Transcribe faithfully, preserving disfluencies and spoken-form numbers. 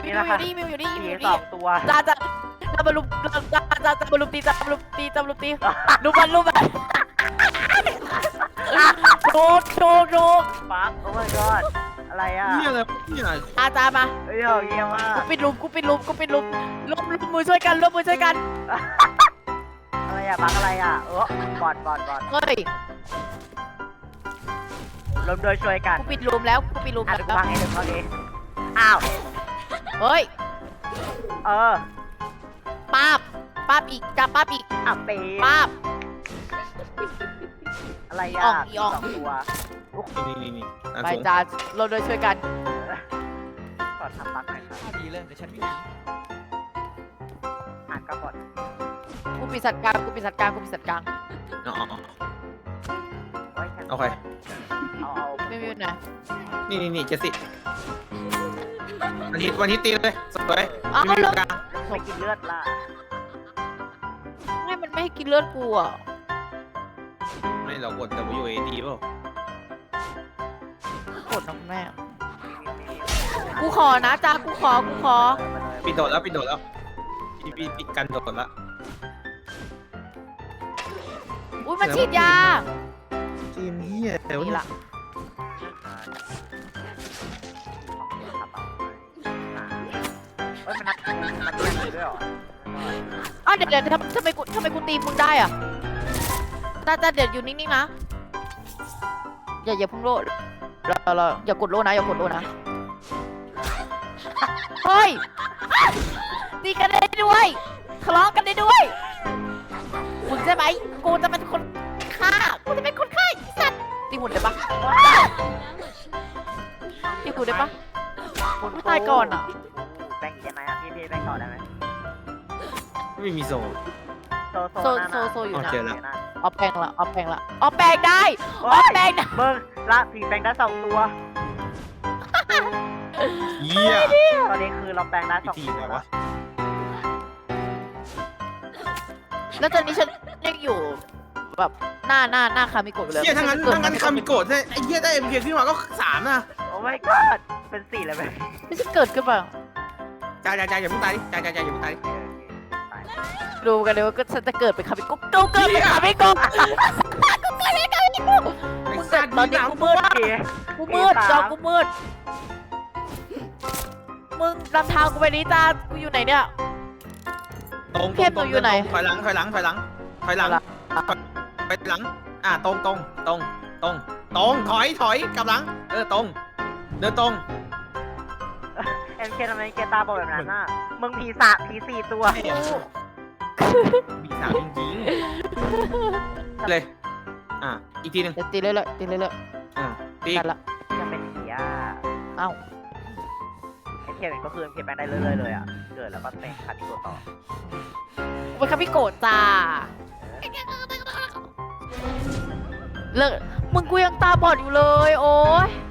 นี่มิวนะอคะยู่นี่มิวอยู่นี่มิวผีอยู่สอนี่งตัวจ้าจ้าจ้าบอลลูนจ้าจ้าจ้าบอลลูนตีจ้าบอลลูนตีจ้าบอลลูนตีลูกบอลลูกบอลโดดโดดโดดฟักโอ้ my god อะไรอ่ะนี่อะไรนี่อะไรจ้าจ้ามาเฮ้ยเยี่ยมมากกูปิดลุมกูปิดลุมกูปิดลุมลุมลุมมือช่วยกันลุมมือช่วยกันอะไรอ่ะบักอะไรอ่ะเออบอดบอดบอดเฮ้ยรวมโดยช่วยกันกูปิดลุมแล้วกูปิดลุมอ่ะแล้วกูพังให้หนึ่งเขาดีอ้าวเฮ้ยเออป้าบป้าบอีกจ้าป้าบอีกอ่ะปีป้าบอะไรอีอ่ะอ่องอีอ่องสองตัวนี่นี่นี่อ่ะไปสูงจ้าเราโดยช่วยกันกดทำบักหน่อยครับดีเลยเดี๋ยวฉันวิ่งหนีอ่านก็กดกูปิดสัตว์กลางกูปิดสัตว์กลางกูปิดสัตว์กลางอ๋ออ๋อไว้แค่โอเคเอาเอาไม่มีไหนนี่นี่นี่เจสซี่วันนี้วันนี้ตีเลยสวยอ้าวไม่มีแล้วกลางไม่กินเลือดล่ะไม่มันไม่ให้กินเลือดกูอ่ะไม่เรากด W A D เปล่ากดน้องแม่กูขอนะจ้ากูขอกูขอปิดโดดแล้วปิดโดดแล้วปิดปิดปิดกันโดดแล้วอุ้ยมันฉีดยาเกมเฮียแต่ว่านี่ละเฮ้ยมันนับมันเรียนเลยด้วยเหรออ้าวเดี๋ยวเดี๋ยวทำทำไมกูทำไมกูตีมึงได้อ่ะจ้าจ้าเดี๋ยวอยู่นิ่งๆนะอย่าอย่าพุ่งโลดเราเราอย่ากดโลนะอย่ากดโลนะเฮ้ยอ่ะตีกันได้ด้วยทะเลาะกันได้ด้วยมึงใช่ไหมกูจะเป็นคนฆ่ากูจะเป็นคนฆ่าไอ้สัตว์ตีหุ่นได้ปะตีหุ่นได้ปะ กูตายก่อนอะแบ่งยังไงอ่ะพี่พี่แบ่งก่อนได้ไหมไม่มีโซนโซโซโซโซโซอยู่นะโอเคแล้วเอาแปลงละเอาแปลงละเอาแปลงได้เอาแปลงได้เบิ้งละผีแปลงได้สองตัวเฮียตอนนี้คือเราแปลงได้สพิองธีตัวอะไรวะแล้วตอนนี้ฉันยังอยู่แบบหน้าหน้าหน้าคามิโกะอยู่เลยเฮียถ้างั้นถ้างั้นคามิโกะไอ้เฮียได้เอ็มพีขึ้นมาก็สามนะโอ้ my god เป็นสี่เลยไหมไม่ใช่เกิดขึ้นมาจ่ายจ่ายจ่ายอย่าเพิ่งตายดิจ่ายจ่ายจ่ายอย่าเพิ่งตายดิดูกันเลยว่าก็ฉันจะเกิดเป็นคามิโกะกูเกิดเป็นคามิโกะกูเกิดเป็นคามิโกะไอ้มึงสัเกิตดว์ตอนมีนี้สามกูมืดผีกูมืดจอกูมืดมึงนำทางกูไปนี้จ้ากูอยู่ไหนเนี่ยตรงเข้มหนูอยู่ไหนถอยหลังถอยหลังถอยหลังถอยหลังไปหลังอ่ะตรงตรงตรงตรงตรงถอยถอยกลับหลังเออตรงเดินตรงเอ็มเคทำไมเกตาบอกแบบนั้นน่ะมึงผีสามผีสี่ตัวบีสามจริงๆเลยอ่ะอีกทีหนึ่งเดี๋ยวตีเรื่อยๆตีเรื่อยอ่ะตีๆกันละยังเป็นผีอ่ะเอ้าเอ็มเคเป็นก็คือเอ็มเคแปลงได้เรื่อยๆเลยอ่ะเกิดแล้วก็เป็นคาติโกต่อกูเป็นคามิโกะจ้าเลิกมึงกูยังตาบอดอยู่เลยโอ้ย